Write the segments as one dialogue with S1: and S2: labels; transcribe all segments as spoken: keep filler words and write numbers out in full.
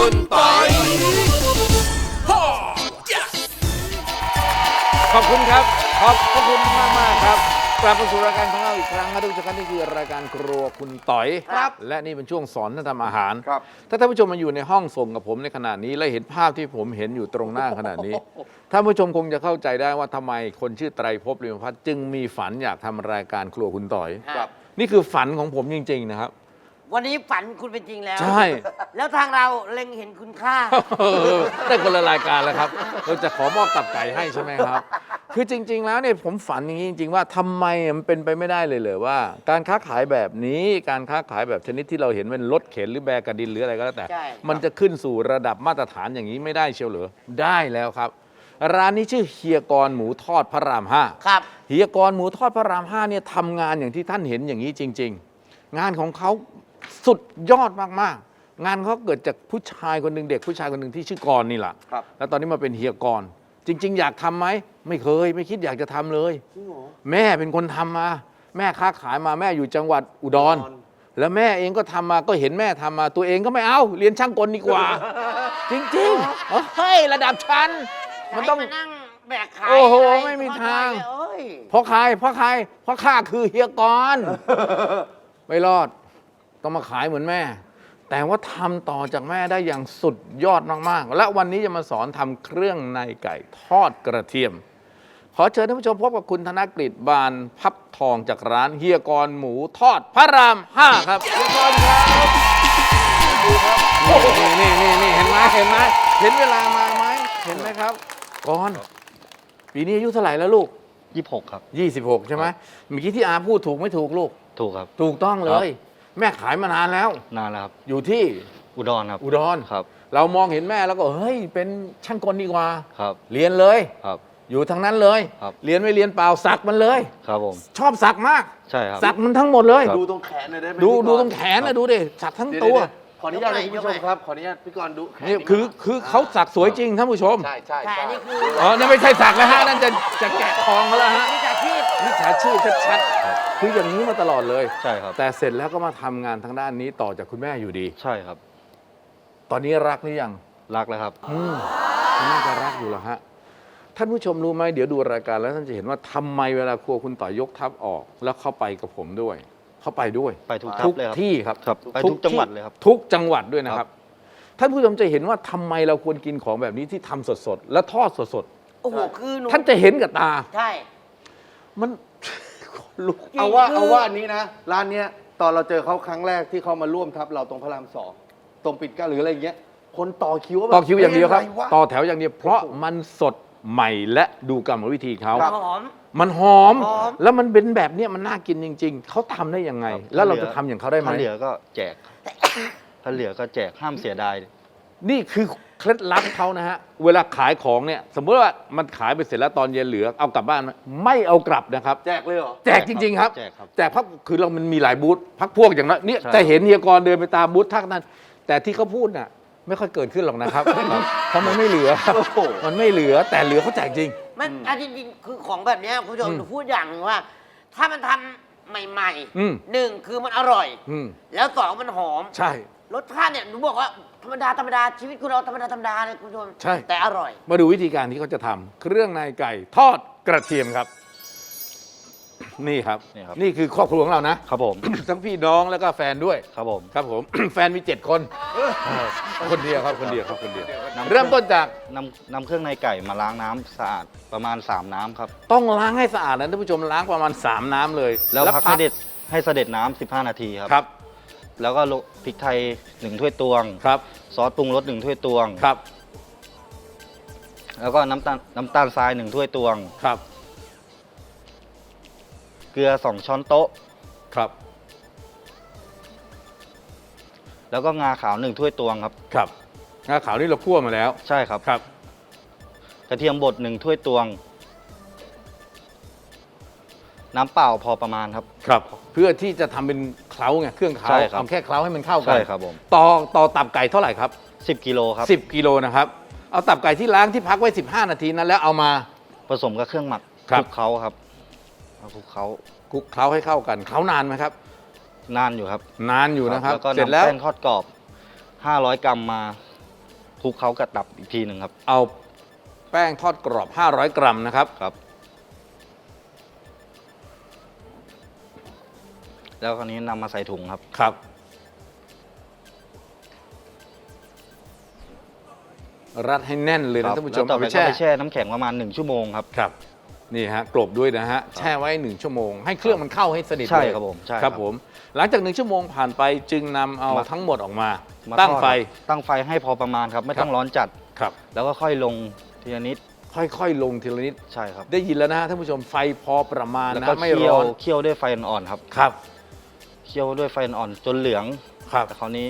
S1: คุณปอยขอบคุณครับขอบพระคุณมากมากครับกลับมาสู่รายการของเราอีกครั้งนะทุกท่านนี่คือรายการครัวคุณต๋อยครับและนี่เป็นช่วงสอนท่านทำอาหารครับถ้าท่านผู้ชมมาอยู่ในห้องส่งกับผมในขณะนี้และเห็นภาพที่ผมเห็นอยู่ตรงหน้าขณะนี้ท่านผู้ชมคงจะเข้าใจได้ว่าทำไมคนชื่อไตรภพลิมพัฒน์จึงมีฝันอยากทำรายการครัวคุณต๋อยนี่คือฝันของผมจริงๆนะครับ
S2: วันนี้ฝันคุณเป็นจริงแล้ว
S1: ใช่
S2: แล้วทางเราเล็งเห็นคุณค่า
S1: ได้คนละรายการแล้วครับเราจะขอมอบตับไก่ให้ใช่ไหมครับคือจริงๆแล้วเนี่ยผมฝันอย่างนี้จริงๆว่าทำไมมันเป็นไปไม่ได้เลยเลยว่าการค้าขายแบบนี้การค้าขายแบบชนิดที่เราเห็นเป็นรถเข็นหรือแบกกระดินหรืออะไรก็แล้วแต่มันจะขึ้นสู่ระดับมาตรฐานอย่างนี้ไม่ได้เชียวเหรอได้แล้วครับร้านนี้ชื่อเฮียกรหมูทอดพระรามห้า
S2: ครับ
S1: เฮียกรหมูทอดพระรามห้าเนี่ยทำงานอย่างที่ท่านเห็นอย่างนี้จริงๆงานของเขาสุดยอดมากๆงานเขาเกิดจากผู้ชายคนหนึ่งเด็กผู้ชายคนหนึ่งที่ชื่อกรนี่แหละแล้วตอนนี้มาเป็นเฮียกรจริงๆอยากทำไหมไม่เคยไม่คิดอยากจะทำเลยแม่เป็นคนทำมาแม่ค้าขายมาแม่อยู่จังหวัดอุดรแล้วแม่เองก็ทำมาก็เห็นแม่ทำมาตัวเองก็ไม่เอาเรียนช่างกลดีกว่าจริงๆเฮ้ยระดับชั้นมันต้อง
S2: นั่งแบกขาย
S1: โอ้โหไม่มีทางเพราะใครเพราะใครเพราะข้าคือเฮียกรไม่รอดต้องมาขายเหมือนแม่แต่ว่าทำต่อจากแม่ได้อย่างสุดยอดมากๆและวันนี้จะมาสอนทำเครื่องในไก่ทอดกระเทียมขอเชิญท่านผู้ชมพบกับคุณธนกฤษบานพับทองจากร้านเฮียกรหมูทอดพระรามห้าครับเฮียกรครับนี่นี่นี่เห็นไหมเห็นไหมเห็นเวลามาไหมเห็นไหมครับกรปีนี้อายุเท่าไหร่แล้วลูก
S3: ยี่สิบหกครับ
S1: ยี่สิบหกใช่ไหมเมื่อกี้ที่อาพูดถูกไม่ถูกลูก
S3: ถูกครับ
S1: ถูกต้องเลยแม่ขายมานานแล้ว
S3: นานแล้วครับ
S1: อยู่ที่
S3: อุดรครับ
S1: อุดร
S3: ครับ
S1: เรามองเห็นแม่แล้วก็เฮ้ยเป็นช่างกลดีกว่า
S3: ครับ
S1: เรียนเลย
S3: ครับ
S1: อยู่ทางนั้นเลย
S3: ครับ
S1: เรียนไม่เรียนเปล่าสักมันเลย
S3: ครับผม
S1: ชอบสักมาก
S3: ใช่ครับ
S1: สักมันทั้งหมดเลย
S4: ดูตรงแขนหน่อยได้ไหม
S1: ดูดูตรงแขนนะดูดิสักทั้งตัว
S4: ขออนุญาตคุณผู้ชมครับขออนุญาตพี่กรณ์ดู
S1: นี่คือคือเขาสักสวยจริงท่านผู้ชม
S4: ใช่ใช่
S2: แต่นี่คือ
S1: อ๋อนั่นไม่ใช่สักแล้วฮะนั่นจะจะแกะทองแล้วฮะ
S2: มิจฉาชีพ
S1: มิจฉาชีพชัดๆคืออย่างนี้มาตลอดเลย
S3: ใช่ครับ
S1: แต่เสร็จแล้วก็มาทำงานทางด้านนี้ต่อจากคุณแม่อยู่ดี
S3: ใช่ครับ
S1: ตอนนี้รักหรือยัง
S3: รักแล้วครับ
S1: อืมน่าจะรักอยู่แล้วฮะท่านผู้ชมรู้ไหมเดี๋ยวดูรายการแล้วท่านจะเห็นว่าทำไมเวลาครัวคุณต่อยกทัพออกแล้วเข้าไปกับผมด้วยเข้าไปด้วย
S3: ไปทุก
S1: ทุกที่ครับ
S3: ไปทุกจังหวัดเลยครับ
S1: ทุกจังหวัดด้วยนะครับท่านผู้ชมจะเห็นว่าทำไมเราควรกินของแบบนี้ที่ทำสดๆและทอดสด
S2: ๆโอ้โหคือ
S1: ท่านจะเห็นกับตา
S2: ใช่
S1: มัน
S4: ลุกเอาว่าเอาว่าอันนี้นะร้านเนี้ยตอนเราเจอเขาครั้งแรกที่เขามาร่วมทัพเราตรงพระรามสองตรงปิดก้าหรืออะไรเงี้ยคนต่อคิว
S1: ต่อคิวอย่างเดียวครับต่อแถวอย่างเดียวเพราะมันสดใหม่และดูกรรมวิธีเขา
S2: หอม
S1: มันหอมแล้วมันเป็นแบบนี้มันน่ากินจริงๆเขาทำได้ยังไงแล้วเราจะทำอย่างเขาได้ไหม
S3: ถ้าเหลือก็แจกถ้าเหลือก็แจกห้ามเสียดาย
S1: นี่คือเคล็ดลับเขานะฮะเวลาขายของเนี่ยสมมติว่ามันขายไปเสร็จแล้วตอนเย็นเหลือเอากลับบ้านไม่เอากลับนะครับ
S4: แจกเลยเหรอ
S1: แจกจริงๆครับ
S3: แจกครับ
S1: แจกพักคือเรามันมีหลายบูธพักพวกอย่างนั้นเนี่ยแต่เห็นเฮียกรเดินไปตามบูธทักนั้นแต่ที่เขาพูดน่ะไม่ค่อยเกิดขึ้นหรอกนะครับเพราะมันไม่เหลือมันไม่เหลือแต่เหลือเขาแจกจริง
S2: มันจริงๆคือของแบบนี้คุณผู้ชมพูดอย่างหนึ่งว่าถ้ามันทำใหม่ๆหนึ่งคือมันอร่อยแล้วสองมันหอม
S1: ใช่
S2: รสชาติเนี่ยหนูบอกว่าธรรมดาธรรมดาชีวิตคุณเราธรรมดาธรรมดาเลยคุณผู้ชม
S1: ใช่
S2: แต่อร่อย
S1: มาดูวิธีการที่เขาจะทำเครื่องในไก่ทอดกระเทียมครับนี่ครับนี่คือครอบครัวของเรานะครับ
S3: ผม
S1: ทั้งพี่น้องแล้วก็แฟนด้วย
S3: ครับผม
S1: ครับผมแฟนมีเจ็ดคนคนเดียวครับคนเดียวครับคนเดียวเริ่มต้นจาก
S3: นำนำเครื่องในไก่มาล้างน้ำสะอาดประมาณสามน้ำครับ
S1: ต้องล้างให้สะอาดนะท่านผู้ชมล้างประมาณสามน้ำเลย
S3: แล้วพักให้เด็ดให้เสด็จน้ำสิบห้านาทีครับ
S1: ครับ
S3: แล้วก็พริกไทยหนึ่งถ้วยตวง
S1: ครับ
S3: ซอสปรุงรสหนึ่งถ้วยตวง
S1: ครับ
S3: แล้วก็น้ำตาลน้ำตาลทรายหนึ่งถ้วยตวง
S1: ครับ
S3: เกลือสองช้อนโต๊ะ
S1: ครับ
S3: แล้วก็งาขาวหนึ่งถ้วยตวงครับ
S1: ครับงาขาวนี่เราคั่วมาแล้ว
S3: ใช่ครับ
S1: ครับ
S3: กระเทียมบดหนึ่งถ้วยตวงน้ำเปล่าพอประมาณครับ
S1: ครับเพื่อที่จะทำเป็นเคล้าไงเครื่องเคล้าเอาแค่เคล้าให้มันเข้ากัน
S3: ใช่ครับผม
S1: ต่อต่อตับไก่เท่าไหร่ครับ
S3: สิบกิโลครับ
S1: สิบกิโลนะครับเอาตับไก่ที่ล้างที่พักไว้สิบห้านาทีนั้นแล้วเอามา
S3: ผสมกับเครื่องหมักคลุกเคล้าครับเอาคลุกเคล้า
S1: คลุกเคล้าให้เข้ากันเคล้านานไหมครับ
S3: นานอยู่ครับ
S1: นานอยู่นะครับ
S3: เสร็จแล้วแป้งทอดกรอบห้าร้อยกรัมมาคลุกเคล้ากับตับอีกทีหนึ่งครับ
S1: เอาแป้งทอดกรอบ ห้าร้อย กรัมนะครับ
S3: ครับ แล้วคราวนี้นำมาใส่ถุงครับ
S1: ครับ รัดให้แน่นเลย
S3: ครั
S1: นะ
S3: บ
S1: ท่านผู้ช
S3: แล้ว
S1: ม
S3: ต่อ
S1: เอา
S3: ไป
S1: ไป
S3: ก็
S1: แช่
S3: ไปแช่น้ำแข็งประมาณหนึ่งชั่วโมงครับ
S1: ครับ นี่ฮะกลบด้วยนะฮะ แช่ไว้หนึ่งชั่วโมง ให้เครื่องมันเข้าให้สนิท
S3: ใช่
S1: เลย
S3: ครับผมใช่
S1: ค
S3: ครั
S1: รับบ ผม หลังจากหนึ่งชั่วโมงผ่านไปจึงนำเอา
S3: มา
S1: ทั้งหมดออกมา
S3: มา
S1: ตั้ง
S3: ทอด
S1: ไฟ
S3: ครับตั้งไฟให้พอประมาณครับ ไม่ต้อง
S1: ครับ
S3: ร้อนจัด
S1: ครับ
S3: แล้วก็ค่อยลงทีละนิด
S1: ค่อยๆ ลงทีละนิด
S3: ใช่ครับ
S1: ได้ยินแล้วนะฮะท่านผู้ชม ไฟพอประมาณ
S3: แล้ว
S1: นะ
S3: ก็
S1: ไม่
S3: เคี่ย
S1: ร้
S3: ว
S1: อน
S3: เคี่ยวด้วยไฟอ่อนๆครับ
S1: ครับ
S3: เคี่ยวด้วยไฟอ่อนๆจนเหลือง
S1: ครับ
S3: แต่คราวนี้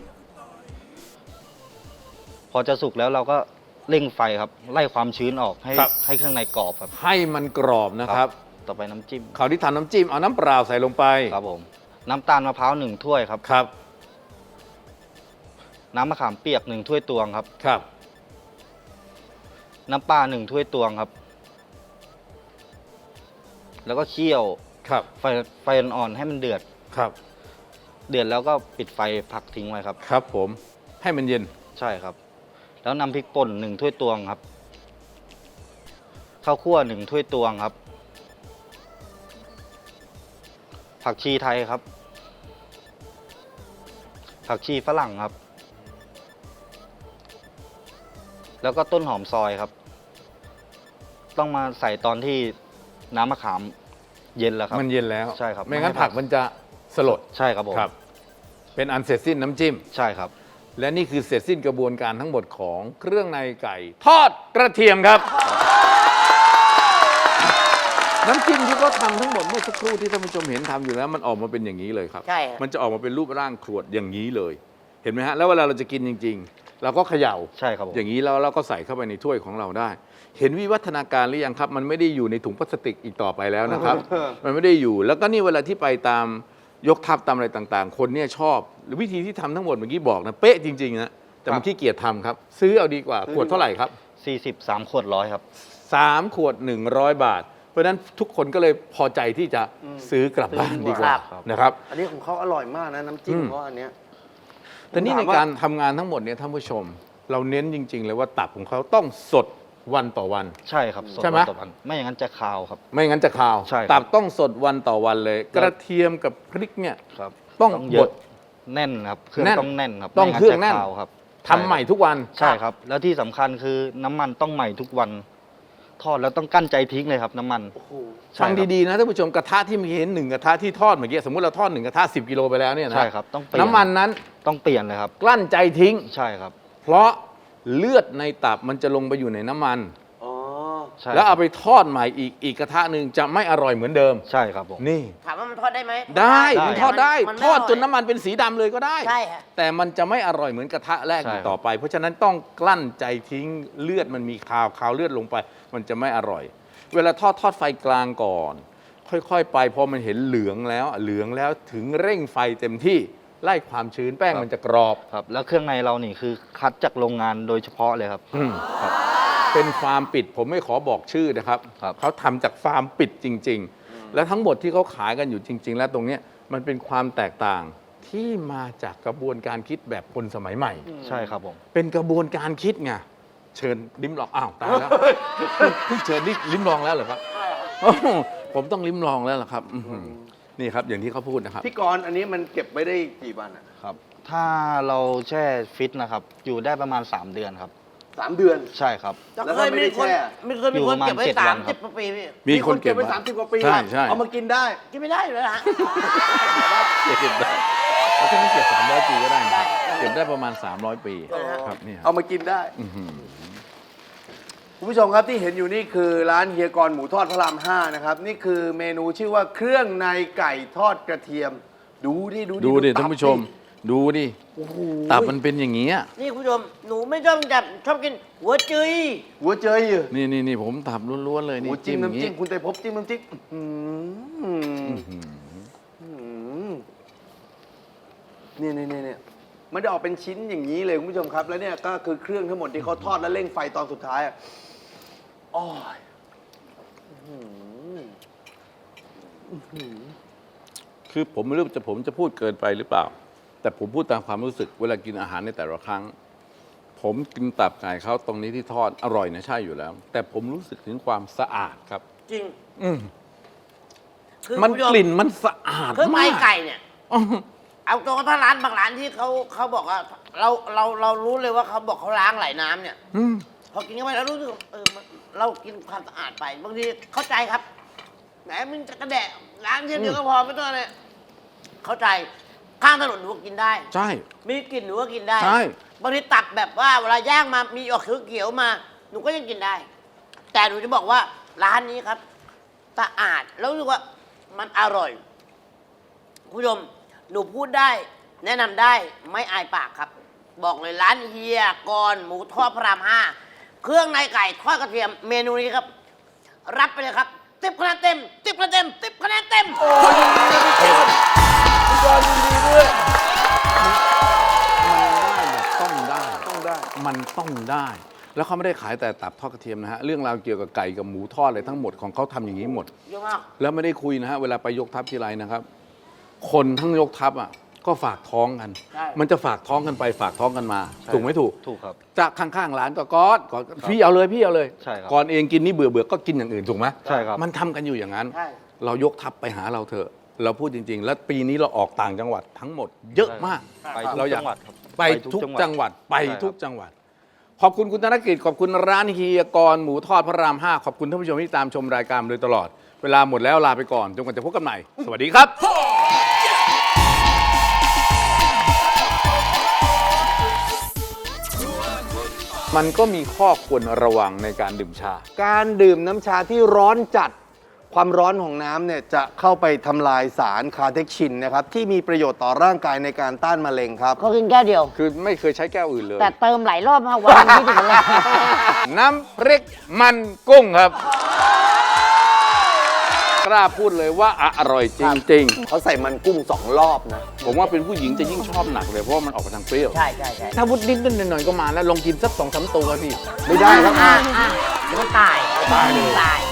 S3: พอจะสุกแล้วเราก็เร่งไฟครับ ไล่ความชื้นออกให้
S1: ครับ
S3: ให้ข้างในกรอบครับ
S1: ให้มันกรอบนะครับ
S3: ต่อไปน้ำจิ้ม
S1: คราวที่ทำน้ำจิ้มเอาน้ำเปล่าใส่ลงไป
S3: ครับผม น้ำตาลมะพร้าวหนึ่งถ้วยครับ
S1: ครับ
S3: น้ำมะขามเปียกหนึ่งถ้วยตวงครับ
S1: ครับ
S3: น้ำปลาหนึ่งถ้วยตวงครับ แล้วก็เคี่ยว
S1: ครับ
S3: ไฟไฟอ่อนๆให้มันเดือด
S1: ครับ
S3: เดือดแล้วก็ปิดไฟพักทิ้งไว้ครับ
S1: ครับผมให้มันเย็น
S3: ใช่ครับ แล้วนำพริกป่นหนึ่งถ้วยตวงครับ ข้าวคั่วหนึ่งถ้วยตวงครับ ผักชีไทยครับ ผักชีฝรั่งครับ แล้วก็ต้นหอมซอยครับ ต้องมาใส่ตอนที่น้ำมะขามเย็นแล้วครับ
S1: มันเย็นแล้ว
S3: ใช่ครับ
S1: ไม่งั้น
S3: ไม่ให้
S1: ผักมันจะสลด
S3: ใช่ครับผม
S1: ครับ เป็นอันเสร็จสิ้นน้ำจิ้ม
S3: ใช่ครับ
S1: และนี่คือเสร็จสิ้นกระบวนการทั้งหมดของเครื่องในไก่ ทอดกระเทียมครับ น้ำจิ้มที่เขาทำทั้งหมดเมื่อสักครู่ที่ท่านผู้ชมเห็นทำอยู่แล้วมันออกมาเป็นอย่างนี้เลยครับ
S2: ใช่ฮะ
S1: มันจะออกมาเป็นรูปร่างขวดอย่างนี้เลย เห็นไหมฮะแล้วเวลาเราจะกินจริง ๆ เราก็เขย่า
S3: ใช่ครับผม
S1: อย่างนี้แล้วเราก็ใส่เข้าไปในถ้วยของเราได้ เห็นวิวัฒนาการหรือยังครับ มันไม่ได้อยู่ในถุงพลาสติกอีกต่อไปแล้วนะครับ มันไม่ได้อยู่ แล้วก็นี่เวลาที่ไปตามยกทัพตามอะไรต่างๆ คนเนี่ยชอบหรือวิธีที่ทำทั้งหมดเมื่อกี้บอกนะเป๊ะจริงๆนะแต่มันขี้เกียจทำครับ ซื้อเอาดีกว่าขวดเท่าไหร่ครับ
S3: สี่สิบสามขวดร้อยครับ
S1: สามขวดหนึ่งร้อยบาท เพราะฉะนั้นทุกคนก็เลยพอใจที่จะซื้อกลับบ้านดีกว่า
S3: ครับ
S1: นะครับ
S4: อันนี้ของเขาอร่อยมากนะน้ำจิ้ม
S1: อืม
S4: เขาอันเนี้ย
S1: แต่นี่ในการทำงานทั้งหมดเนี่ยท่านผู้ชม เราเน้นจริง ๆ เลยว่าตับของเขาต้องสดวันต่อวัน
S3: ใช่ครับสด
S1: ใช่ไหม
S3: วันต่อวันไม่อย่างนั้นจะคาวครับ
S1: ไม่งั้นจะคาว
S3: ใช่ครับ
S1: ตับต้องสดวันต่อวันเลย กระเทียมกับพริกเนี่ย
S3: ครับ
S1: ต้อง
S3: เย
S1: บ
S3: อะ
S1: ด
S3: แน่นครับเครื่อง
S1: แน่น
S3: ต้องแน่นครับ
S1: ต้อง
S3: ไม่
S1: เครื่องแน่น
S3: จะคาวครับ
S1: ทำใหม่ทุกวัน
S3: ใช่ครับ แล้วที่สำคัญคือน้ำมันต้องใหม่ทุกวัน ทอดแล้วต้องกั้นใจทิ้งเลยครับ น้ำมัน
S4: โอ้โห
S3: ใช่
S1: ฟัง
S3: ครับ
S1: ดีๆนะท่านผู้ชมกระทะที่เมื่อกี้เห็นหนึ่งกระทะที่ทอดเมื่อกี้สมมติเราทอดหนึ่งกระทะสิบกิโลไปแล้วเนี่ยนะ
S3: ใช่ครับต้องเปลี่ยน
S1: น้ำมันนั้น
S3: ต้องเปลี่ยนเลยครับ
S1: กลั้นใจทิ้ง
S3: ใช่ครับ
S1: เพราะเลือดในตับมันจะลงไปอยู่ในน้ำมัน
S4: อ๋อ
S3: ใช่
S1: แล้วเอาไปทอดใหม่อีกอีกกระทะหนึ่งจะไม่อร่อยเหมือนเดิม
S3: ใช่ครับผม
S1: นี่
S2: ถามว่ามันทอดได้ไหม
S1: ได้
S3: ได้
S1: มันทอดได้
S2: มัน
S1: ทอดจน
S2: ไม่ร่ย
S1: น้ำมันเป็นสีดำเลยก็ได้
S2: ใช่ฮะ
S1: แต่มันจะไม่อร่อยเหมือนกระทะแรก
S3: ใช่
S1: อีก
S3: ครับ
S1: ต่อไป เพราะฉะนั้นต้องกลั้นใจทิ้งเลือดมันมีคาวคาวเลือดลงไป มันจะไม่อร่อย เวลาทอดทอดไฟกลางก่อน ค่อยๆ ไปพอมันเห็นเหลืองแล้วเหลืองแล้วถึงเร่งไฟเต็มที่ไล่ความชื้นแป้งมันจะกรอบ
S3: ครับ แล้วเครื่องในเรานี่คือคัดจากโรงงานโดยเฉพาะเลยครับ
S1: อืม
S3: ครับ
S1: เป็นฟาร์มปิดผมไม่ขอบอกชื่อนะครับ
S3: ครับ
S1: เขาทำจากฟาร์มปิดจริง ๆ และทั้งหมดที่เขาขายกันอยู่จริง ๆ แล้วตรงเนี้ยมันเป็นความแตกต่างที่มาจากกระบวนการคิดแบบคนสมัยใหม่
S3: ใช่ครับผม
S1: เป็นกระบวนการคิดไงเชิญลิ้มลองอ้าวตายแล้วเพิ่งเชิญนี่ลิ้มลองแล้วเหรอครับโอ้โหผมต้องลิ้มลองแล้วเหรอครับอื้อหือนี่ครับอย่างที่เขาพูดนะครับ
S4: พี่กรณ์อันนี้มันเก็บไว้ได้กี่วันอ่ะ
S3: ครับ ถ้าเราแช่ฟิตนะครับ อยู่ได้ประมาณ สาม เดือนครับ
S4: สามเดือน
S3: ใช่ครับ
S2: แล้ว
S4: แล้ว
S2: เค
S4: ถ้าย ไม่ได้
S2: มีคน
S4: แช่
S2: ไม่เคยมี
S3: อยู่
S2: ค
S3: ป
S2: น
S3: ระมาณ
S2: เก็บไว้
S3: เจ็ด
S2: สา
S3: วั
S2: ม
S3: นครั
S2: สิบบ กว่าปีพี่
S1: มีคนเก็บ
S4: ไว้
S1: ไว้
S4: สามสิบกว่าปี
S1: ใช่
S4: อะ
S1: ใช่
S4: เอามากินได้
S2: กินไม่ได้เลยนะ
S1: เก็บได้แล้วถ้าไม่เก็บสามร้อยปีก็ได้นะครับเก็บได้ประมาณสามร้อยปีครับนี่ค
S4: เอา
S1: รับ
S4: มากินได้
S1: อื้อหือ
S4: คุณผู้ชมครับที่เห็นอยู่นี่คือร้านเฮียกรหมูทอดพระรามห้านะครับ นี่คือเมนูชื่อว่าเครื่องในไก่ทอดกระเทียม ดูดิดูดิ
S1: ดูดิ
S4: ตับ
S1: ท่านผู้ชม ดูดิ
S4: โอ้โห
S1: ตับมันเป็นอย่างนี้ย
S2: นี่คุณผู้ชมหนูไม่ชอบจับชอบกินหัวจุย
S4: หัวเจยอยู่
S1: นี่นี่นี่ผมตับล้วนๆเลย
S4: ห
S1: นี่
S4: มูจิ้ม
S1: อย่าง
S4: น้ำจิ้มคุณเตยภพจิ้มน้ำจิ้มอื้อหือ
S1: อื้อหือ
S4: อื้อหือเนี่ยเนี่ยเนี่ยเนี่ยมันจะออกเป็นชิ้นอย่างนี้เลยคุณผู้ชมครับ แล้วเนี่ยก็คือเครื่องทั้งหมดที่เขาทอดแล้วเร่งไฟตอนสุดท้ายอะอ้อยอื้อหือ
S1: คือผมไม่รู้จะผมจะพูดเกินไปหรือเปล่า แต่ผมพูดตามความรู้สึกเวลากินอาหารในแต่ละครั้ง ผผมกินตับไก่เขาตรงนี้ที่ทอดอร่อยนะใช่อยู่แล้ว แต่ผมรู้สึกถึงความสะอาดครับ
S2: จริง
S1: อืม
S2: คือ
S1: มัน
S2: คุณผู้ช
S1: กลิ่นมันสะอาด
S2: เครื่องใน
S1: มาก
S2: ไก่เนี่ย
S1: อื้อ
S2: เอาตรงถ้าร้านบางร้านที่เขาเขาบอกว่าเราเราเรารู้เลยว่าเขาบอกเขาล้างไหลน้ำเนี่ย
S1: อืม
S2: พอกินเข้าไปแล้วรู้สึกเออมันเรากินความสะอาดไปบางทีเข้าใจครับแหมมึงจะกระแดะล้างเช่นเดียวก็พอไม่ต้องเลยเข้าใจข้างถนนหนูก็กินได้
S1: ใช่
S2: มีกลิ่นหนูก็กินได้
S1: ใช่
S2: บางทีตับแบบว่าเวลาย่างมามีออกเขียวๆมา หนูก็ยังกินได้ แต่หนูจะบอกว่าร้านนี้ครับสะอาดแล้วรู้สึกว่ามันอร่อยคุณผู้ชมหนูพูดได้ แนะนำได้ไม่อายปากครับ บอกเลยร้านเฮียกรหมูทอดพระรามห้าเครื่องในไก่ทอดกระเทียมเมนูนี้ครับ รับไปเลยครับติบคะแนนเต็มติบคะแนนเต็มติบคะแนนเต็ม
S4: พี่กรณ์ยินดีด้วย
S1: มันได้แบบต้องได้
S4: ต้องได้
S1: มันต้องได้ แล้วเขาไม่ได้ขายแต่ตับทอดกระเทียมนะฮะ เรื่องราวเกี่ยวกับไก่กับหมูทอดอะไรทั้งหมดของเขาทำอย่างนี้หมด
S2: เยอะมาก
S1: แล้วไม่ได้คุยนะฮะ เวลาไปยกทัพทีไรนะครับ คนทั้งยกทัพอ่ะก็ฝากท้องกัน
S2: ใช่
S1: มันจะฝากท้องกันไปฝากท้องกันมา
S3: ใช่
S1: ถูกไหมถูก
S3: ถูกครับ
S1: จากข้างๆร้านก็ก๊อดก่อนพี่เอาเลยพี่เอาเลย
S3: ใช่ครับ
S1: ก่อนเองกินนี่เบื่อเบื่อๆก็กินอย่างอื่นถูกไหม
S3: ใช่ครับ
S1: มันทำกันอยู่อย่างนั้น
S2: ใช่
S1: เรายกทัพไปหาเราเถอะ เราพูดจริง ๆ แล้วปีนี้เราออกต่างจังหวัดทั้งหมด เยอะมาก
S3: ไปทุก
S1: เราอยาก
S3: จังหวัดครับ
S1: ไปทุกจังหวัดไป
S3: ใช่ครับ
S1: ทุกจังหวัด ขอบคุณคุณธนกิจขอบคุณร้านเฮียกรหมูทอดพระรามห้าขอบคุณท่านผู้ชมที่ตามชมรายการมาโดยตลอด เวลาหมดแล้วลาไปก่อนจนกว่าจะพบกันใหม่ สวัสดีครับ มันก็มีข้อควรระวังในการดื่มชา
S4: การดื่มน้ำชาที่ร้อนจัด ความร้อนของน้ำเนี่ยจะเข้าไปทำลายสารคาเทคชินนะครับ ที่มีประโยชน์ต่อร่างกายในการต้านมะเร็งครับ
S2: เขากินแก้วเดียว
S1: คือไม่เคยใช้แก้วอื่นเลย
S2: แต่เติมหลายรอบมากวันที่ถึงเลย
S1: น้ำพริกมันกุ้งครับ กล้าพูดเลยว่าอร่อยจริง
S4: เขาใส่มันกุ้งสองรอบนะ
S1: ๆ ผมว่าเป็นผู้หญิงจะยิ่งชอบหนักเลย เพราะว่ามันออกมาทางเปรี้ยว
S2: ใช่ใช่ใช่
S1: ถ้าพุดนิดนิดหน่อยๆก็มาแล้วลองกินสักสองสามตัวพี่
S4: ไม่ได้ครับ
S2: อ่าอ่าเดี๋ยวมันตาย
S1: ตายเลย
S2: ตาย